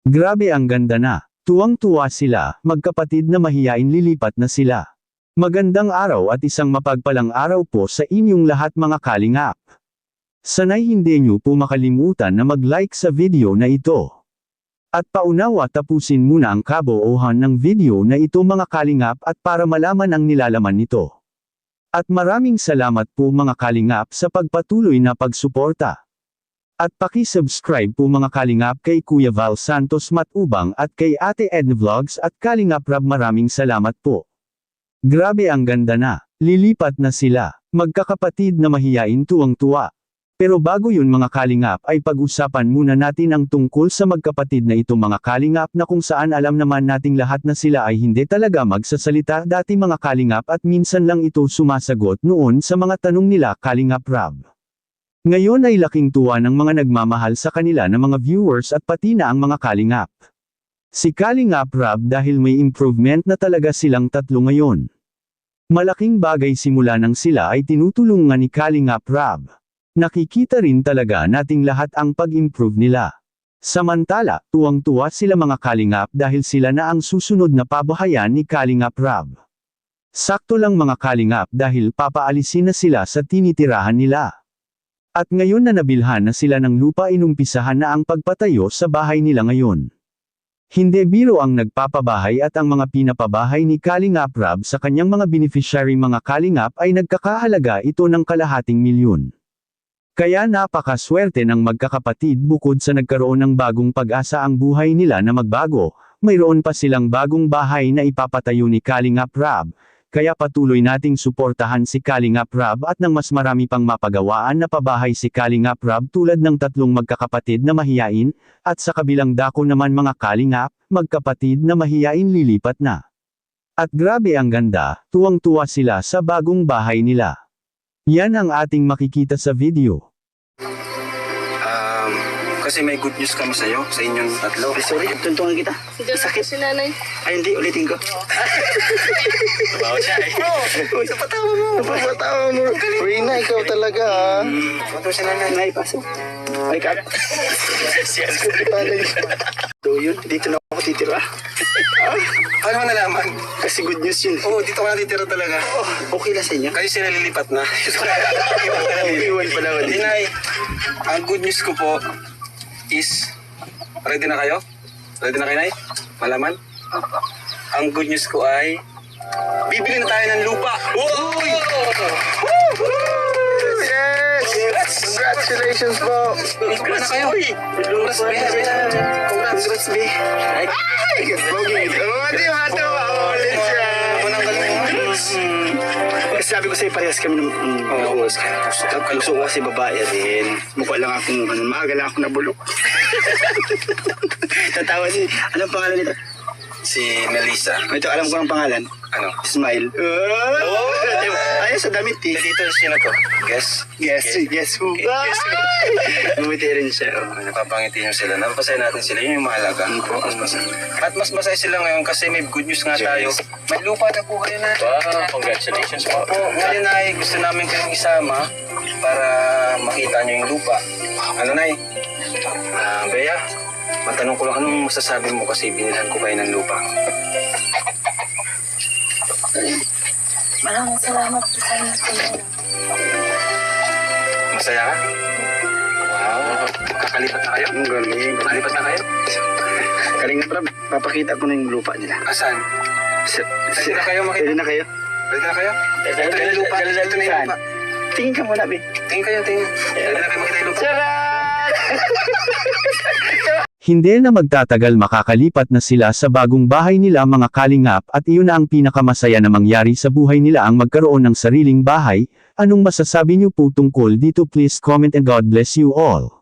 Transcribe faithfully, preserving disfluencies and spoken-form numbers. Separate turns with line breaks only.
Grabe ang ganda na. Tuwang-tuwa sila, magkapatid na mahiyain lilipat na sila. Magandang araw at isang mapagpalang araw po sa inyong lahat mga kalingap. Sanay hindi nyo po makalimutan na mag-like sa video na ito. At paunawa tapusin muna ang kabuuhan ng video na ito mga kalingap at para malaman ang nilalaman nito. At maraming salamat po mga kalingap sa pagpatuloy na pagsuporta. At paki-subscribe po mga kalingap kay Kuya Val Santos Matubang at kay Ate Edna Vlogs at Kalingap Rab, maraming salamat po. Grabe ang ganda na. Lilipat na sila. Magkakapatid na mahiyain tuwang-tuwa. Pero bago yun mga kalingap ay pag-usapan muna natin ang tungkol sa magkapatid na ito mga kalingap na kung saan alam naman nating lahat na sila ay hindi talaga magsasalita dati mga kalingap at minsan lang ito sumasagot noon sa mga tanong nila Kalingap Rab. Ngayon ay laking tuwa ng mga nagmamahal sa kanila ng mga viewers at pati na ang mga kalingap. Si Kalingap Rab dahil may improvement na talaga silang tatlo ngayon. Malaking bagay simula nang sila ay tinutulungan ni Kalingap Rab. Nakikita rin talaga nating lahat ang pag-improve nila. Samantala, tuwang-tuwa sila mga kalingap dahil sila na ang susunod na pabahayan ni Kalingap Rab. Sakto lang mga kalingap dahil papaalisin na sila sa tinitirahan nila. At ngayon na nabilhan na sila ng lupa inumpisahan na ang pagpatayo sa bahay nila ngayon. Hindi biro ang nagpapabahay at ang mga pinapabahay ni Kalingap Rab sa kanyang mga beneficiary mga kalingap ay nagkakahalaga ito ng kalahating milyon. Kaya napakaswerte ng magkakapatid bukod sa nagkaroon ng bagong pag-asa ang buhay nila na magbago, mayroon pa silang bagong bahay na ipapatayo ni Kalingap Rab. Kaya patuloy nating suportahan si Kalingap Rab at ng mas marami pang mapagawaan na pabahay si Kalingap Rab tulad ng tatlong magkakapatid na mahiyain, at sa kabilang dako naman mga kalingap, magkapatid na mahiyain lilipat na. At grabe ang ganda, tuwang-tuwa sila sa bagong bahay nila. Yan ang ating makikita sa video.
Um, kasi may good news kami sa'yo, sa inyong tatlo.
Ay, sorry, tuntungan kita.
Sakit si nanay.
Ay, hindi, ulitin ko.
Bawa siya eh.
Uy, napatawa mo. Napatawa mo. Rina, ikaw talaga ha.
Ito si nanay.
Nay, pasok. Ay, kak.
Siya.
So yun, dito na ako titira.
Paano mo nalaman?
Kasi good news yun.
Oo, dito ka natitira talaga.
Oh, okay lang sa inyo.
Kasi sila lilipat na.
Iwan pala ako
Hindi
dito.
nay, ang good news ko po is, ready na kayo? Ready na kayo nay? Malaman? Ang good news ko ay, bibili na tayo ng lupa. Wow!
Yes! Congratulations po!
Congrats na kayo. Congrats, be. Congrats.
Congrats, be. Ay! Bogey! Oh, di ba ito? Oh, let's go!
Unang galing mo.
Kasi sabi ko sa'yo, parehas kami ng mm,
Oo,
gusto. Gusto ko kasi babae din. Mukha lang akong, ano, maaga lang ako nabulok. Tatawa si, anong pangalan nito?
Si Melissa.
Ito, alam ko ang pangalan.
Ano?
Smile. Oh! Ayos sa damit eh.
Dito, sino to? Guess?
Yes, yes who?
Guess who?
Bumiti rin siya. Oh.
Uh, napapangiti nyo sila. Napapasaya natin sila. Yun yung mahalaga. Mas masaya. At mas masaya sila ngayon kasi may good news nga tayo. May lupa na po kayo na.
Wow, congratulations po.
Opo, ngayon ay gusto namin kayong isama para makita nyo yung lupa. Ano nay? Ah, Bea, matanong ko lang, anong masasabi mo kasi binilhan ko kayo ng lupa?
Maraming salamat po sa inyo.
Masaya ka? Wow. Kakalipat na kayo?
Ang galing.
Kakalipat na kayo?
Kalinga Prab, papakita ko na yung lupa nila.
Asan?
Sa-
Pwede na kayo makita?
Pwede na kayo?
Pwede na kayo? Ito na yung lupa. Ito na yung
Saan?
lupa.
Tingin ka muna, Bi.
Tingin kayo, tingin. Pwede na kayo makita yung lupa.
Hindi na magtatagal makakalipat na sila sa bagong bahay nila mga kalingap at iyon na ang pinakamasaya na mangyari sa buhay nila ang magkaroon ng sariling bahay. Anong masasabi niyo po tungkol dito? Please comment and God bless you all.